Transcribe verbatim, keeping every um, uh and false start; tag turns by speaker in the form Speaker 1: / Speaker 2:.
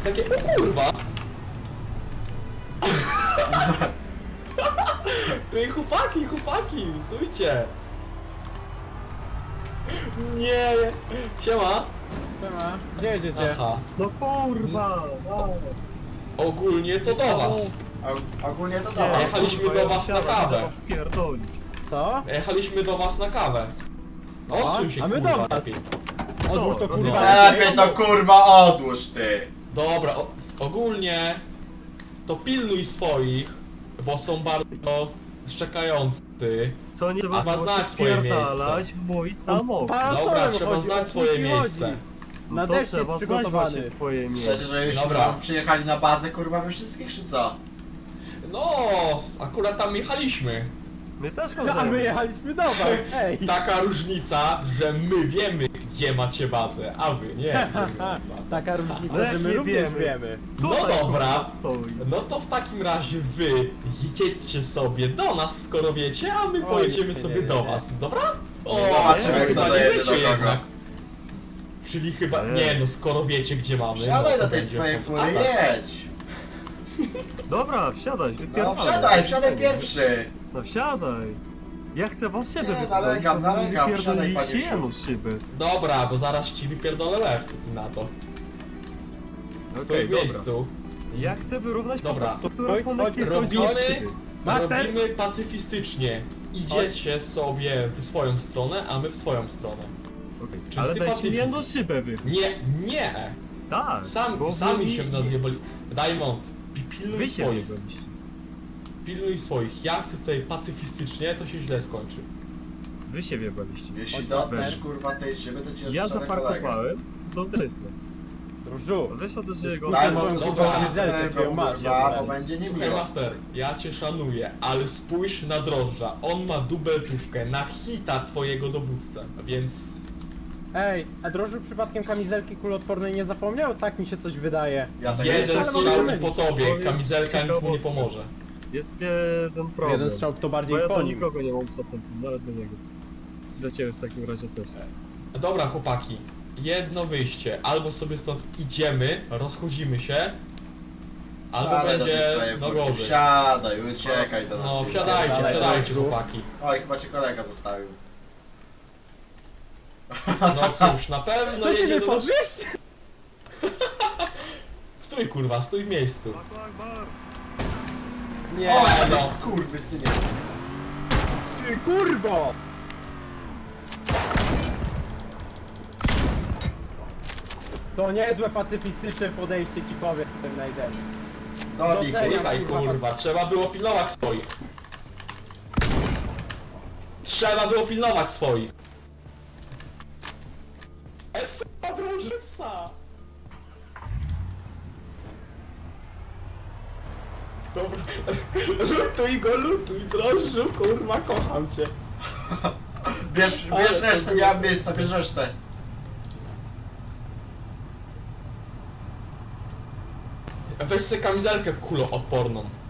Speaker 1: takie, o kurwa! Ty chłopaki, chłopaki, stójcie! Nie! Siema!
Speaker 2: Siema. Gdzie jedziecie?
Speaker 1: Aha.
Speaker 3: No kurwa! No.
Speaker 1: Ogólnie to do was.
Speaker 4: Og- ogólnie to
Speaker 3: Nie,
Speaker 4: dobra.
Speaker 1: jechaliśmy
Speaker 3: kurwa,
Speaker 1: do
Speaker 3: ja
Speaker 1: was na
Speaker 3: wsiadam,
Speaker 1: kawę.
Speaker 3: trzeba wpierdolić.
Speaker 2: Co?
Speaker 1: Jechaliśmy do was na kawę. Odsuń się,
Speaker 2: a my
Speaker 1: kurwa,
Speaker 2: do was.
Speaker 1: lepiej.
Speaker 2: Odłóż to
Speaker 3: No
Speaker 2: kurwa.
Speaker 4: Lepiej to kurwa odłóż ty.
Speaker 1: Dobra, o, ogólnie to pilnuj swoich, bo są bardzo szczekający.
Speaker 3: To nie
Speaker 1: Trzeba
Speaker 3: trzeba
Speaker 1: znać swoje
Speaker 3: wpierdalać w mój samochód.
Speaker 1: Dobra, trzeba znać swoje miejsce.
Speaker 2: Na
Speaker 3: No to
Speaker 2: deszcz jest
Speaker 3: trzeba znać
Speaker 2: przygotowany.
Speaker 3: właśnie swoje
Speaker 4: Chcecie,
Speaker 3: miejsce.
Speaker 4: żebyśmy
Speaker 1: Dobra.
Speaker 4: tam przyjechali na bazę kurwa we wszystkich czy co?
Speaker 1: No, akurat tam jechaliśmy.
Speaker 3: My też
Speaker 2: A my
Speaker 3: możemy.
Speaker 2: jechaliśmy do was, ej!
Speaker 1: Taka różnica, że my wiemy, gdzie macie bazę, a wy nie. Gdzie my mamy bazę.
Speaker 2: Taka
Speaker 3: No
Speaker 2: różnica,
Speaker 3: jak
Speaker 2: że my
Speaker 3: nie
Speaker 2: również
Speaker 3: wiemy.
Speaker 2: wiemy.
Speaker 1: No
Speaker 3: Tutaj,
Speaker 1: dobra.
Speaker 3: kurwa, stoi.
Speaker 1: No to w takim razie wy jedziecie sobie do nas, skoro wiecie, a my
Speaker 2: Oj,
Speaker 1: pojedziemy
Speaker 2: nie,
Speaker 1: sobie
Speaker 2: nie, nie,
Speaker 1: do
Speaker 2: nie.
Speaker 1: was, dobra? O,
Speaker 4: Zobaczymy,
Speaker 1: ale
Speaker 4: kto
Speaker 1: chyba nie
Speaker 4: dojedzie
Speaker 1: wiecie
Speaker 4: do kogo.
Speaker 1: jednak. Czyli chyba,
Speaker 3: Nie.
Speaker 1: nie no, skoro wiecie gdzie mamy.
Speaker 4: Wsiadaj
Speaker 1: no to
Speaker 4: do tej
Speaker 1: będzie
Speaker 4: swojej
Speaker 1: po-
Speaker 4: fury,
Speaker 1: A, tak.
Speaker 4: jedź!
Speaker 3: Dobra, wsiadaj,
Speaker 4: No
Speaker 3: wypierdalaj.
Speaker 4: wsiadaj, wsiadaj pierwszy!
Speaker 3: No wsiadaj. Ja chcę wam szybę
Speaker 4: Nie,
Speaker 3: wypierdolić,
Speaker 4: nalegam,
Speaker 3: bo wy
Speaker 4: nalegam,
Speaker 3: wypierdoliliście
Speaker 4: wsiadaj, panie
Speaker 3: jemu szybę.
Speaker 1: Dobra, bo zaraz ci wypierdolę łeb, co ty na to. Stój
Speaker 3: Okej,
Speaker 1: w
Speaker 3: dobra.
Speaker 1: miejscu.
Speaker 3: Ja chcę wyrównać
Speaker 1: Dobra.
Speaker 3: to, która
Speaker 2: Oj,
Speaker 3: ponad
Speaker 2: oj,
Speaker 1: robimy-
Speaker 2: Master!
Speaker 1: Robimy pacyfistycznie. Idziecie sobie w swoją stronę, a my w swoją stronę.
Speaker 3: Okay.
Speaker 1: Czysty
Speaker 3: Ale dajcie mi
Speaker 1: pacyfizm.
Speaker 3: jedną szybę wy.
Speaker 1: Nie, nie!
Speaker 3: Tak.
Speaker 1: Sam,
Speaker 3: bo
Speaker 1: sami
Speaker 3: wy
Speaker 1: się
Speaker 3: mi-
Speaker 1: w nas jebali. Diamond, pi- pilnuj
Speaker 3: Wy się
Speaker 1: swoich.
Speaker 3: wybraliście.
Speaker 1: Pilnuj swoich. Ja chcę tutaj pacyfistycznie, to się źle skończy.
Speaker 3: Wy się wybraliście.
Speaker 4: Jeśli
Speaker 2: Oj,
Speaker 4: dotkniesz
Speaker 2: Master.
Speaker 4: kurwa tej szyby, to ci
Speaker 3: Ja
Speaker 4: odstrzelę kolegę.
Speaker 3: zaparkowałem do drytna.
Speaker 2: Różu,
Speaker 3: Weź od jego...
Speaker 4: Daj mu
Speaker 2: Dobra,
Speaker 4: tu
Speaker 1: dobra,
Speaker 4: swojego
Speaker 2: dobra, masz,
Speaker 4: kurwa,
Speaker 2: dobra.
Speaker 4: bo będzie
Speaker 1: Słuchaj
Speaker 4: niemiło.
Speaker 1: master, ja cię szanuję, ale spójrz na drożdża. On ma dubeltówkę na hita twojego dowódcę, więc...
Speaker 2: ej, a drożył przypadkiem kamizelki kuloodpornej nie zapomniał? Tak mi się coś wydaje.
Speaker 4: Ja tego
Speaker 1: Jeden
Speaker 2: ale
Speaker 1: strzał
Speaker 2: możemy
Speaker 1: i po
Speaker 2: mieć.
Speaker 1: tobie,
Speaker 3: Powiem
Speaker 1: kamizelka nic mu nie
Speaker 3: ciekawostkę.
Speaker 1: pomoże.
Speaker 3: Jest jeden problem.
Speaker 2: Jeden strzał to
Speaker 3: Bo
Speaker 2: bardziej
Speaker 3: ja
Speaker 2: po
Speaker 3: do
Speaker 2: nim.
Speaker 3: nikogo nie mam szacunku, nawet do niego. Dla ciebie w takim razie też.
Speaker 1: Dobra chłopaki, jedno wyjście. Albo sobie stąd idziemy, rozchodzimy się, albo
Speaker 4: Wsiadaj do tej
Speaker 1: będzie
Speaker 4: swojej
Speaker 1: no
Speaker 4: furki,
Speaker 1: gorzej.
Speaker 4: wsiadaj, uciekaj do nas.
Speaker 1: No
Speaker 4: szybko.
Speaker 1: wsiadajcie,
Speaker 2: Dalej,
Speaker 1: wsiadajcie
Speaker 2: dalej.
Speaker 1: chłopaki.
Speaker 4: Oj, chyba cię kolega zostawił.
Speaker 1: No cóż, na pewno
Speaker 2: Co ci
Speaker 1: jedzie
Speaker 2: nie
Speaker 1: do nas...
Speaker 2: podwieźć?
Speaker 1: Stój kurwa, stój w miejscu. Nie
Speaker 4: Nie, o,
Speaker 1: no.
Speaker 4: jest kurwy synie.
Speaker 2: Ty kurwo! To niezłe pacyfistyczne podejście ci powiem ten najden.
Speaker 4: Dobij,
Speaker 2: Doceniam.
Speaker 4: kurwa.
Speaker 1: Czekaj kurwa, trzeba było pilnować swoich. Trzeba było pilnować swoich. Esa drożyca. Dobra, lutuj go, lutuj, drożdżu, kurwa, kocham cię.
Speaker 4: Bierz,
Speaker 1: Ale
Speaker 4: bierz
Speaker 1: to
Speaker 4: resztę,
Speaker 1: było-
Speaker 4: nie mam miejsca, bierz resztę.
Speaker 1: Weź sobie kamizelkę kuloodporną.